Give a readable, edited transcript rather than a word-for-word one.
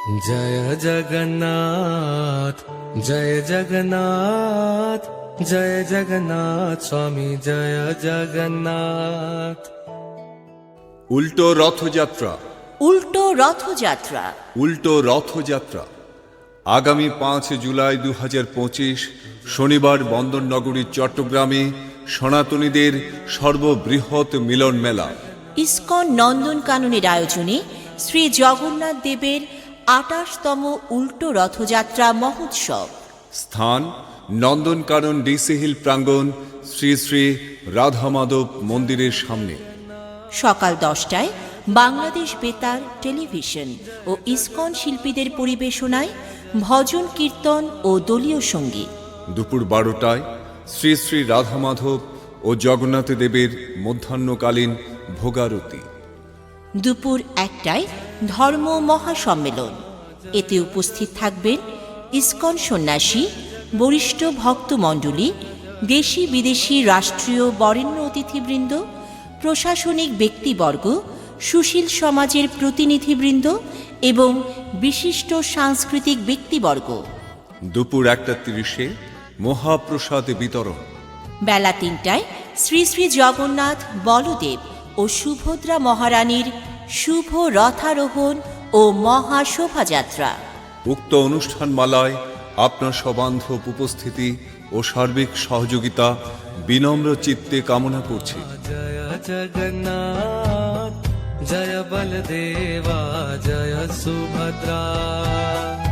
জয় জগন্নাথ জয় জগন্নাথ জয় জগন্নাথ স্বামী জয় জগন্নাথ। উল্টো রথযাত্রা। উল্টো রথযাত্রা। উল্টো রথযাত্রা আগামী 5 জুলাই 2025 শনিবার বন্দরনগরী চট্টগ্রামে সনাতনীদের সর্ববৃহৎ মিলন মেলা। ইসকন নন্দনকাননের আয়োজনে শ্রী জগন্নাথ দেবের 28তম উল্টো রথযাত্রা মহোৎসব। স্থান নন্দনকানন ডিসি হিল প্রাঙ্গণ, শ্রী শ্রী রাধা মাধব মন্দিরের সামনে। সকাল 10টায় বাংলাদেশ বেতার টেলিভিশন ও ইসকন শিল্পীদের পরিবেশনায় ভজন কীর্তন ও দলীয় সঙ্গীত। দুপুর 12টায় শ্রী শ্রী রাধা মাধব ও জগন্নাথ দেবের মধ্যাহ্নকালীন ভোগারতি। দুপুর 1টায় ধর্ম মহাসম্মেলন। এতে উপস্থিত থাকবেন ইসকন সন্ন্যাসী, বরিষ্ঠ ভক্তমণ্ডলী, দেশি বিদেশি রাষ্ট্রীয় বরেণ্য অতিথিবৃন্দ, প্রশাসনিক ব্যক্তিবর্গ, সুশীল সমাজের প্রতিনিধিবৃন্দ এবং বিশিষ্ট সাংস্কৃতিক ব্যক্তিবর্গ। দুপুর 1:30 মহাপ্রসাদ বিতরণ। বেলা 3টায় শ্রী শ্রী জগন্নাথ, বলদেব ও সুভদ্রা মহারানীর শুভ রথারোহণ ও মহাশোভাযাত্রা। উক্ত অনুষ্ঠানমালায় আপনার সবান্ধব উপস্থিতি ও সার্বিক সহযোগিতা বিনম্র চিত্তে কামনা করছি। জয় জগন্নাথ জয় বলদেবা জয় সুভদ্রা।